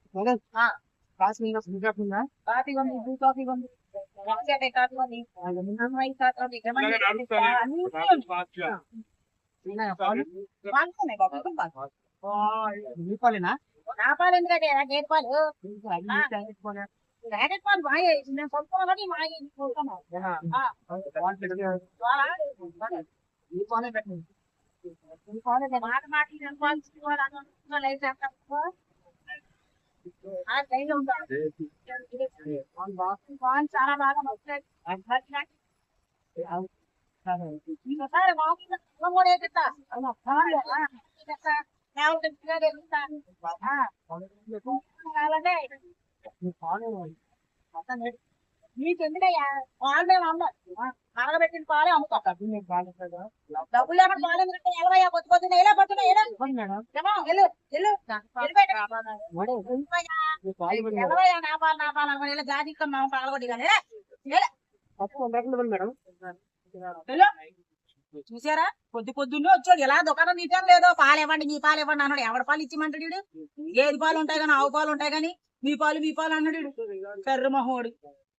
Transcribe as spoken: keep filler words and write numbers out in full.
madam coffee ఉందా full coffee ఉందా coffee ఉంది బ్లూ కాఫీ ఉంది రాసేటే కాఫీ ఉంది అమ్మాయి కాఫీ ఏమన్నా అన్ని ఉన్నాయా పాలు పాలున్నాయి బాబు ఇంకా పాలు మీ పాలేనా నా పాలు ఎందుకంటే గేదె పాలు ప్యాకెట్ పాలు ప్యాకెట్ పాలు మాయే నేను కొనుక్కోవాలని మాయ ఈ పాలే పెట్టండి మాట మాట లైట్ చాలా బాగా వస్తాయి ఒకసారి మామూలుగా కూడా ఎత్తుతా కావాలంటే నీకు ఎందుకయ్యా పాలు మేము అమ్మాం మరగబెట్టిన పాలే అమ్ముతాం డబ్బులు లేకుండా పాలు ఎందుకంటే ఎలవయ్యా పొద్దు పొద్దున్న ఎలా పడుతున్నా ఎలా వెళ్ళు వెళ్ళు ఎలవయ్యా నా పాలు నా పాలు అనుకుని ఇలా జాతి మా పాలగొట్టి కానీ మేడం చూసారా పొద్దు పొద్దున్నే వచ్చాడు ఎలా దుకాణం నీటం లేదో పాలు ఇవ్వండి మీ పాలు ఇవ్వండి అన్నాడు ఎవడ పాలు ఇచ్చిమంటాడు వీడు ఏది పాలు ఉంటాయి కానీ ఆవు పాలు ఉంటాయి కానీ మీ పాలు మీ పాలు అన్నాడు వీడు కర్ర మహోడు